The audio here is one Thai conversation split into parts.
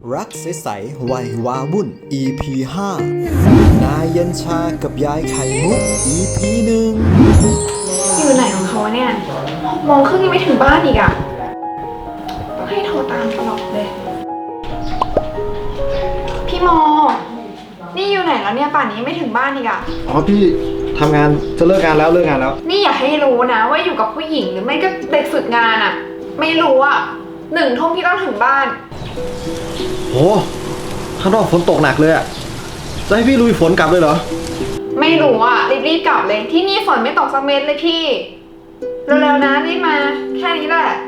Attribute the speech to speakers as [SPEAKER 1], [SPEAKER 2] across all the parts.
[SPEAKER 1] รักใสๆวัยวาวุ่น EP 5 นายเย็นชากับยายไข่มุก EP 1
[SPEAKER 2] อยู่ไหนของเขาเนี่ย6 โมงครึ่งยังไม่ถึงบ้านอีกอ่ะต้องให้โทรตามตลอดเลยพี่โมนี่อยู่ไหนแล้วเนี่ยป่านนี้ไม่ถึงบ้านอีกอ่ะ
[SPEAKER 3] อ๋อพี่ทำงานจะเลิกงานแล้ว
[SPEAKER 2] นี่อย่าให้รู้นะว่าอยู่กับผู้หญิงหรือไม่ก็เด็กฝึกงานอ่ะไม่รู้อ่ะ1 ทุ่มพี่ต้องถึงบ้าน
[SPEAKER 3] โหข้างนอกฝนตกหนักเลยอะจะให้พี่ลุยฝนกลับเลยเหรอ
[SPEAKER 2] ไม่รู้อ่ะรีบกลับเลยที่นี่ฝนไม่ตกสักเม็ดเลยพี่เร็วๆนะรีบมาแค่นี้แหละ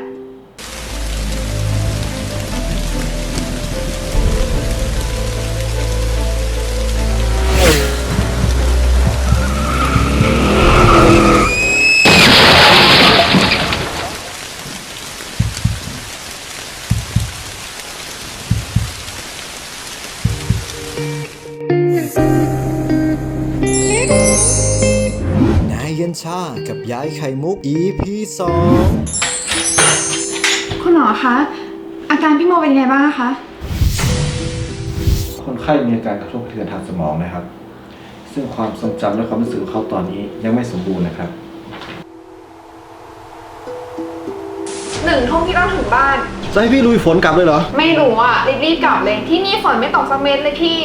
[SPEAKER 1] นายเย็นชากับยายไข่มุก EP 2
[SPEAKER 2] คุณหมอคะอาการพี่โมเป็นยังไงบ้างคะ
[SPEAKER 3] คนไข้มีอาการกระทบกระเทือนทางสมองนะครับซึ่งความทรงจำและความรู้สึกของเขาตอนนี้ยังไม่สมบูรณ์นะครับ
[SPEAKER 2] 1 ทุ่มพี่ต้องถึงบ้าน
[SPEAKER 3] จะให้พี่ลุยฝนกลับเลยเหรอ
[SPEAKER 2] ไม่รู้อ่ะรีบกลับเลยที่นี่ฝนไม่ตกสักเม็ดเลยพี่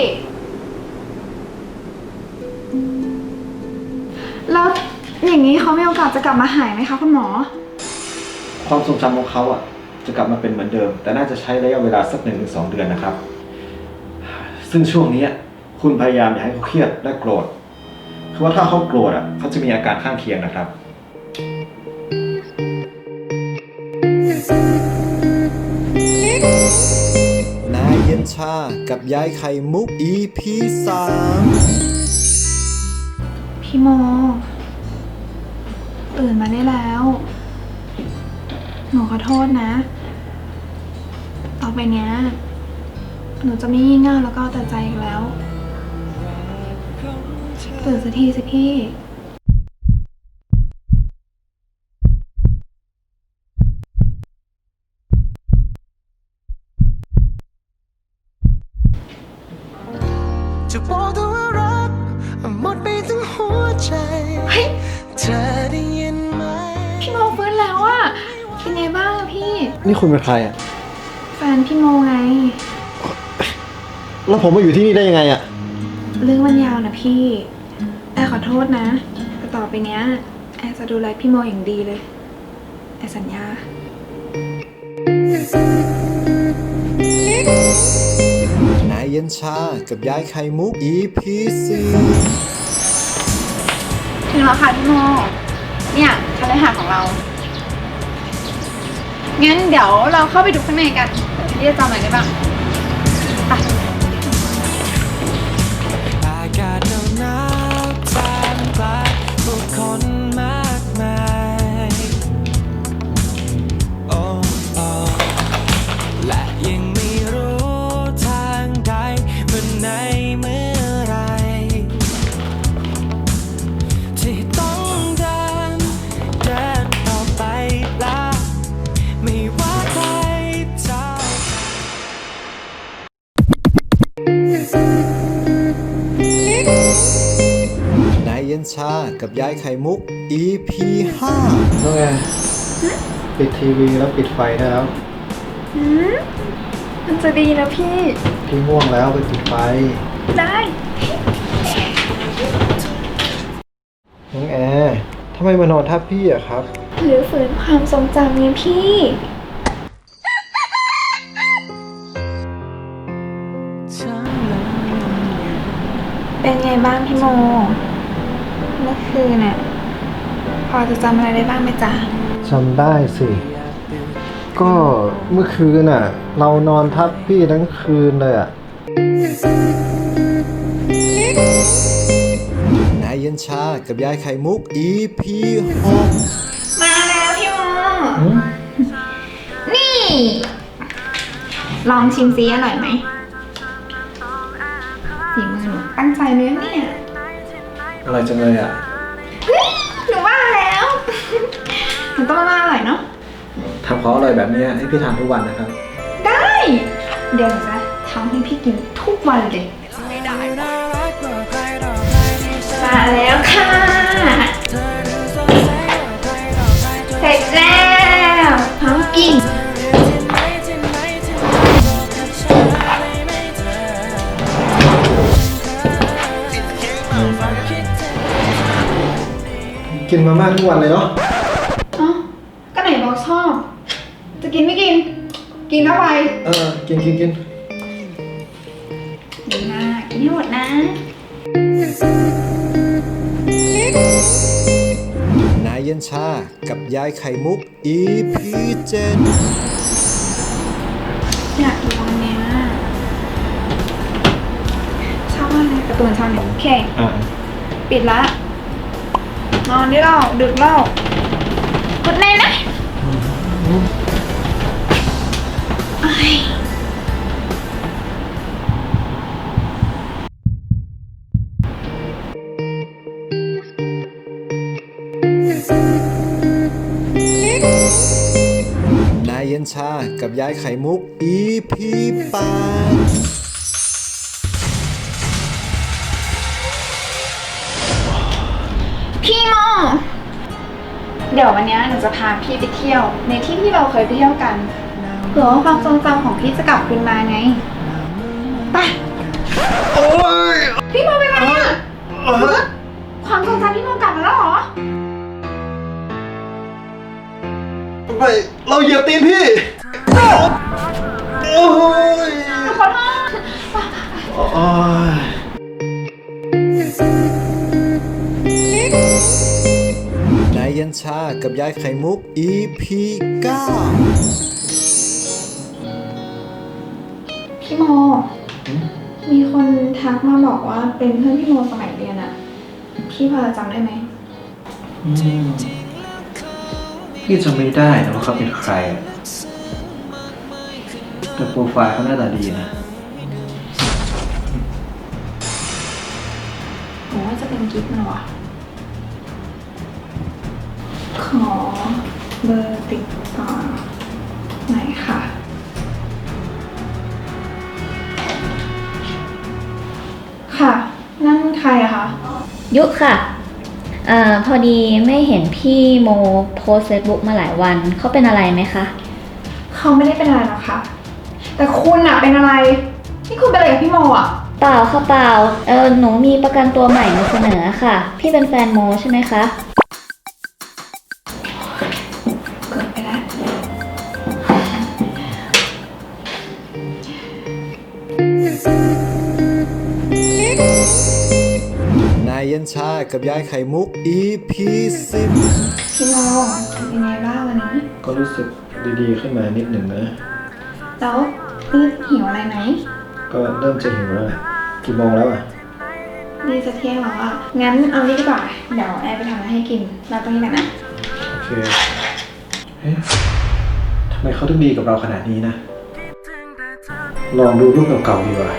[SPEAKER 2] แล้วอย่างนี้เขามีโอกาสจะกลับมาหายไหมคะคุณหมอ
[SPEAKER 3] ความทรงจำของเขาอ่ะจะกลับมาเป็นเหมือนเดิมแต่น่าจะใช้ระยะเวลาสัก 1-2 เดือนนะครับซึ่งช่วงนี้คุณพยายามอย่าให้เขาเครียดและโกรธคือว่าถ้าเขาโกรธอ่ะเขาจะมีอาการข้างเคียงนะครับ
[SPEAKER 1] นายเย็นชากับยายไข่มุก EP 3
[SPEAKER 2] พี่โมตื่นมาได้แล้วหนูขอโทษนะต่อไปเนี้ยหนูจะไม่งี่เง่าแล้วก็เอาแต่ใจอีกแล้วตื่นสักทีสิพี่
[SPEAKER 4] จะบอกตัวว่ารักหมดไปทั้งหัวใจ
[SPEAKER 2] เฮ้ย
[SPEAKER 4] เธอได้ยินไหม
[SPEAKER 2] พี่โมฟื้นแล้วอะเป็นไงบ้างอะพี่
[SPEAKER 3] นี่คุณเป็นใครอ่ะ
[SPEAKER 2] แฟนพี่โมไง
[SPEAKER 3] แล้วผมมาอยู่ที่นี่ได้ยังไงอ่ะ
[SPEAKER 2] เรื่องมันยาวนะพี่แอร์ขอโทษนะแต่ต่อไปเนี้ยแอร์จะดูแลพี่โมอย่างดีเลยแอร์สัญญาน
[SPEAKER 1] ายเย็นชากับยายไข่มุก EP
[SPEAKER 2] ถึงแล้วค่ะพี่โมเนี่ยคฤหาสน์ของเรางั้นเดี๋ยวเราเข้าไปดูข้างในกันพี่จะจำอะไรได้บ้างไป
[SPEAKER 4] อากาศหนาวท่ามกลางผู้คนมากมายโอ้โอ้และยังไม่รู้ทางใดวันไหนเมื่อไรที่ต้องเดินต่อไปแล้วไม่ว่าใครจะ
[SPEAKER 1] นายเย็นชากับยายไข่มุก EP
[SPEAKER 3] น้องแอร์ปิดทีวีแล้วปิดไฟได้แล้ว
[SPEAKER 2] มันจะดีนะพี่
[SPEAKER 3] ง่วงแล้วไปปิดไฟ
[SPEAKER 2] ได้
[SPEAKER 3] น้องแอร์ทำไมมานอนทับพี่อะครับ
[SPEAKER 2] หรือฝืนความทรงจำไงพี่เป็นไงบ้างพี่โมเมื่อคืนน่ะพอจะจำอะไรได้บ้างไหมจ๊ะ
[SPEAKER 3] จำได้สิก็เมื่อคืนน่ะเรานอนทับพี่ทั้งคืนเลยอะ
[SPEAKER 1] นายเย็นชากับยายไข่มุก EP
[SPEAKER 2] มาแล้วพี่โมนี่ ลองชิมซิอร่อยไหมฝีมือหนูตั้งใจเลยเนี่ย
[SPEAKER 3] อะไรจังเลยอะ
[SPEAKER 2] หนูว่าแล้วหนูต้องมาอร่อยเนาะ
[SPEAKER 3] ทำของอร่อยแบบนี้ให้พี่ทานทุกวันนะครับ
[SPEAKER 2] ได้เดี๋ยวหนูจะทำให้พี่กินทุกวันเลย
[SPEAKER 4] น่ารักกว่าใครต่อใครที่ฉัน
[SPEAKER 2] มาแล้วค่ะ
[SPEAKER 4] เธอดูสดใสกว่าใครต่อใครจน
[SPEAKER 2] เสร็จแล้วพร้อมกิน
[SPEAKER 4] ที่ไหนที่ไหนที่ไหนบอกกับฉันได้ไหมเธอความคิดถึง
[SPEAKER 3] กินมาม่าทุกวันเลยเนาะ
[SPEAKER 2] เอ้าก็ไหนบอกชอบ จะกินไม่กิน กินเข้าไป
[SPEAKER 3] กิน
[SPEAKER 2] ดีนะกินให้หมดนะ
[SPEAKER 1] นายเย็นชากับยายไข่มุก EP 7
[SPEAKER 2] อยากดูวันเนี้ยชอบมากเลยการ์ตูนชาวเน็ตโอเค ปิดละ นอนได้แล้วดึกแล้วกดแน่นะเอ้ย
[SPEAKER 1] นายเย็นชากับยายไข่มุก EP 8
[SPEAKER 2] พี่โมเดี๋ยววันเนี้ยหนูจะพาพี่ไปเที่ยว ในที่ที่เราเคยไปเที่ยวกันเผื่อว่าความทรงจำของพี่จะกลับคืนมาไง ไป
[SPEAKER 3] โอ้ย
[SPEAKER 2] พี่โมเป็นไรอะความทรงจำพี่โมกลับมาแล้วเหรอ
[SPEAKER 3] ไปเราเหยียบตีนพี่ โอ้ย
[SPEAKER 2] หนูขอโทษ
[SPEAKER 3] โอ้ย
[SPEAKER 1] นายเย็นชากับยายไข่มุก EP 9
[SPEAKER 2] พี่โม มีคนทักมาบอกว่าเป็นเพื่อนพี่โมสมัยเรียนอะพี่พอจะจำได้ไหม
[SPEAKER 3] พี่จำไม่ได้นะว่าเขาเป็นใคร แต่โปรไฟล์เขาหน้าตาดีนะ
[SPEAKER 2] ผมว่าจะเป็นกิ๊กมันวะขอเบอร์ติดต่อหน่อยค่ะ ค่ะ นั่นใครอะคะ
[SPEAKER 5] ยุค่ะพอดีไม่เห็นพี่โมโพสเฟซบุ๊กมาหลายวัน เขาเป็นอะไรไหมคะ
[SPEAKER 2] เขาไม่ได้เป็นอะไรหรอกค่ะ แต่คุณอะเป็นอะไร นี่คุณเป็นอะไรกับพี่โมอะ
[SPEAKER 5] เปล่าค่ะเปล่าหนูมีประกันตัวใหม่มาเสนอค่ะ พี่เป็นแฟนโมใช่ไหมคะ
[SPEAKER 2] เกิดไปแล้ว
[SPEAKER 1] นายเย็นชากับยายไข่มุก EP 10
[SPEAKER 2] พี่โมเป็นไงบ้างวันนี้
[SPEAKER 3] ก็รู้สึกดีๆขึ้นมานิดหนึ่งนะ
[SPEAKER 2] แล้วนี่หิวอะไรไหม
[SPEAKER 3] ก็เริ่มจะหิวแล้วแหละกี่โมงแล้วอ่ะ
[SPEAKER 2] นี่จะเที่ยงแล้วอะงั้นเอานี่ดีกว่า เดี๋ยวแอร์ไปทำอะไรให้กินเราตรงนี้กันนะ
[SPEAKER 3] โอเค เอ๊ะทำไมเขาถึงดีกับเราขนาดนี้นะ ลองดูรูปเก่าๆดีกว่า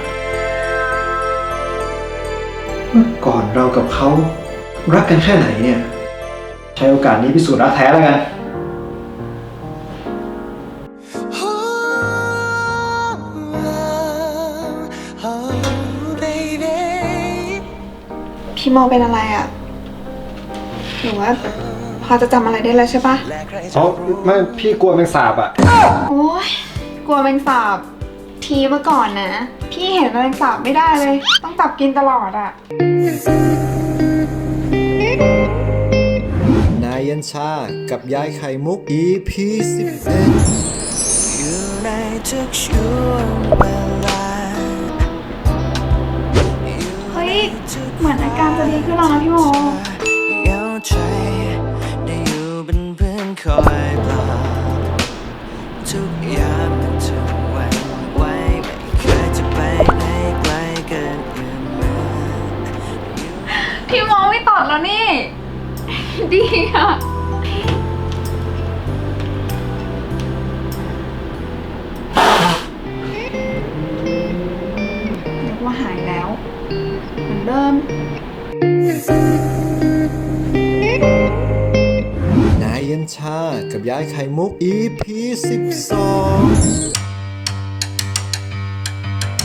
[SPEAKER 3] เมื่อก่อนเรากับเขารักกันแค่ไหนเนี่ย ใช้โอกาสนี้พิสูจน์รักแท้แล้วกัน
[SPEAKER 2] พี่โมเป็นอะไรอะหรือว่าพอจะจำอะไรได้แล้วใช่ปะ
[SPEAKER 3] อ๋อไม่พี่กลัวแมงสาบอ่ะ
[SPEAKER 2] โอ๊ยกลัวแมงสาบ ทีเมื่อก่อนนะ พี่เห็นแมลงสาบไม่ได้เลย ต้องจับกินตลอดอะ
[SPEAKER 1] นายเย็นชากับยายไข่มุก EP 11
[SPEAKER 4] อยู่ในทุกช่วงเวลา
[SPEAKER 2] เฮ้ย เหมือนอาการจะดีขึ้นแล้วนะพี่โม
[SPEAKER 4] เหงาใจได้อยู่เป็นเพื่อนคอยปลอบทุกยามมันจะหวั่นไหวไม่เคยจะไปไหนไกลเกินเอื้อมมือ
[SPEAKER 2] พี่โมไม่ตอดแล้วนี่ ดีอะนึกว่าหายแล้ว เหมือนเดิม
[SPEAKER 1] นายเย็นชากับยายไข่มุก EP 12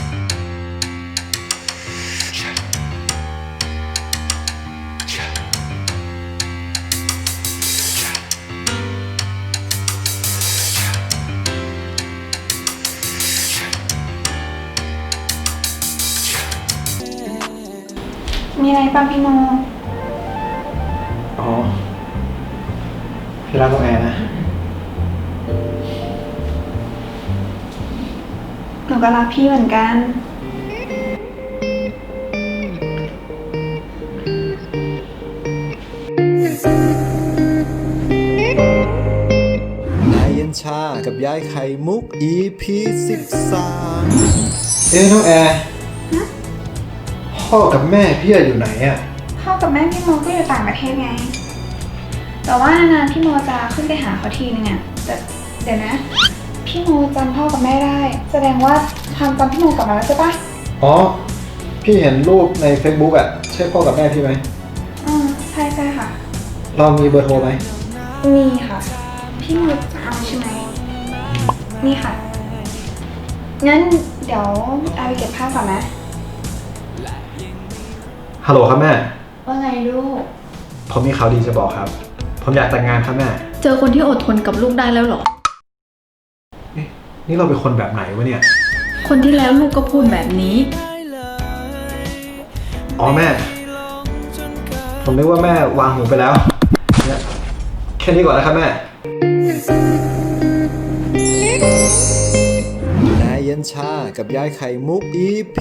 [SPEAKER 2] มีอะไรป่ะพี่โม
[SPEAKER 3] อ๋อ พี่รักน้องแอร์นะ
[SPEAKER 2] หนูก็รักพี่เหมือนกัน
[SPEAKER 1] นายเย็นชากับยายไข่มุก EP 13
[SPEAKER 3] น้องแอร์พ่อกับแม่พี่อยู่ไหนอ่ะ
[SPEAKER 2] พ่อกับแม่พี่โมก็อยู่ต่างประเทศไง แต่ว่านานๆพี่โมจะขึ้นไปหาเขาทีนึงอะแต่เดี๋ยวนะ พี่โมจำพ่อกับแม่ได้ แสดงว่าความจำพี่โมกลับมาแล้วใช่ปะ
[SPEAKER 3] อ๋อ พี่เห็นรูปใน Facebook อ่ะ ใช่พ่อกับแม่พี่ไหม
[SPEAKER 2] ใช่ใช่ค่ะ
[SPEAKER 3] เรามีเบอร์โทรไหม
[SPEAKER 2] มีค่ะ พี่โมจะเอาใช่ไหม นี่ค่ะ งั้นเดี๋ยวเอาไปเก็บผ้าก่อนนะ
[SPEAKER 3] ฮัลโหลครับแม่
[SPEAKER 5] ว่าไงลูก
[SPEAKER 3] ผมมีข่าวดีจะบอกครับ ผมอยากแต่งงานครับแม่
[SPEAKER 5] เจอคนที่อดทนกับลูกได้แล้วเหรอ
[SPEAKER 3] นี่เราเป็นคนแบบไหนวะเนี่ย
[SPEAKER 5] คนที่แล้วลูกก็พูดแบบนี้
[SPEAKER 3] อ๋อแม่ ผมนึกว่าแม่วางหูไปแล้วเนี่ยแค่นี้ก่อนนะครับแม่
[SPEAKER 1] นายเย็นชากับยายไข่มุก EP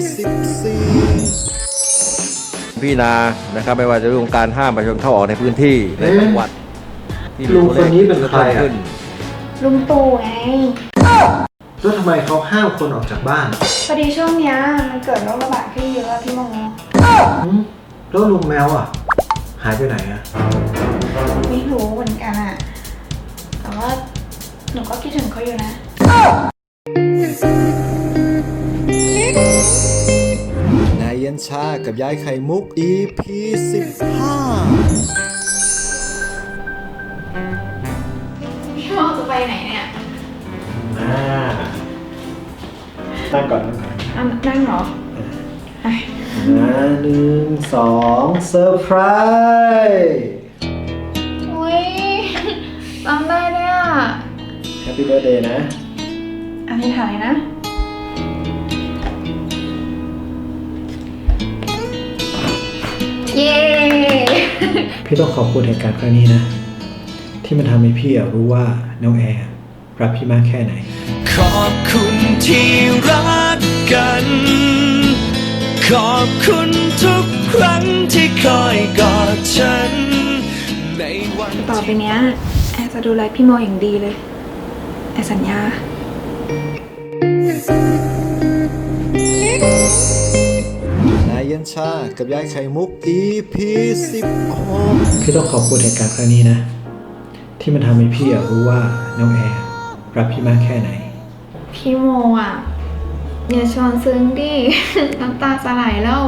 [SPEAKER 1] 14
[SPEAKER 6] พี่นานะครับไม่ว่าจะเรื่องการห้ามประชาชนเข้าออกในพื้นที่ในจังหวัดที่
[SPEAKER 3] ลุงคนนี้เป็นใคร
[SPEAKER 6] เพิ่ม
[SPEAKER 3] อ่ะ
[SPEAKER 6] ขึ้น
[SPEAKER 2] ลุงตู่ไง
[SPEAKER 3] แล้วทำไมเขาห้ามคนออกจากบ้าน
[SPEAKER 2] พอดีช่วงเนี้ยมันเกิดโรคระบาดขึ้นเยอะอะพี่โม
[SPEAKER 3] แล้วลุงแมวอ่ะ หายไปไหนอ่ะ
[SPEAKER 2] ไม่รู้เหมือนกันอะแต่ว่าหนูก็คิดถึงเขาอยู่นะ
[SPEAKER 1] นายเย็นชากับยายไข่มุก EP 15
[SPEAKER 2] พี่โมจะไปไหนเนี่ย
[SPEAKER 3] นั่งก่อน
[SPEAKER 2] นั่งเหรอไป
[SPEAKER 3] 1 2 เซอร์ไพรส์
[SPEAKER 2] อุ้ยจำได้เลยอะ
[SPEAKER 3] แฮปปี้เบิร์ดเดย์นะ
[SPEAKER 2] อันนี้ถ่ายนะ เย้
[SPEAKER 3] พี่ต้องขอบคุณเหตุการณ์ครั้งนี้นะ ที่มันทำให้พี่รู้ว่าน้องแอร์รักพี่มากแค่ไหน
[SPEAKER 4] ขอบคุณที่รักกัน ขอบคุณทุกครั้งที่คอยกอดฉันในวัน
[SPEAKER 2] ต่อไปเนี้ยแอร์จะดูแลพี่โมอย่างดีเลย แอร์สัญญา
[SPEAKER 1] นายเย็นชากับยายไข่มุก EP 16
[SPEAKER 3] พี่ต้องขอบคุณเหตุการณ์ครั้งนี้นะ ที่มันทำให้พี่รู้ว่าน้องแอร์รักพี่มากแค่ไหน
[SPEAKER 2] พี่โมอ่ะ อย่าชวนซึ้งดิ น้ำตาสลายแล้ว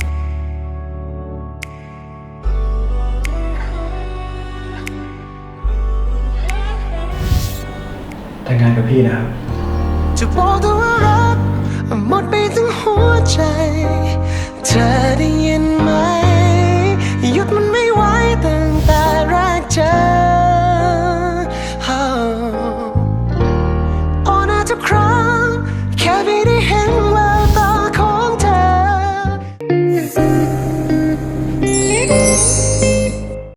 [SPEAKER 3] แต่งงานกับพี่นะครับ
[SPEAKER 4] จะบอกตัวว่ารักหมดไปทั้งหัวใจ เธอได้ยินไหม หยุดมันไม่ไหวตั้งแต่แรกเจอโอ้น่าทุกครั้งแค่พี่ได้เห็นแววตาของเธอ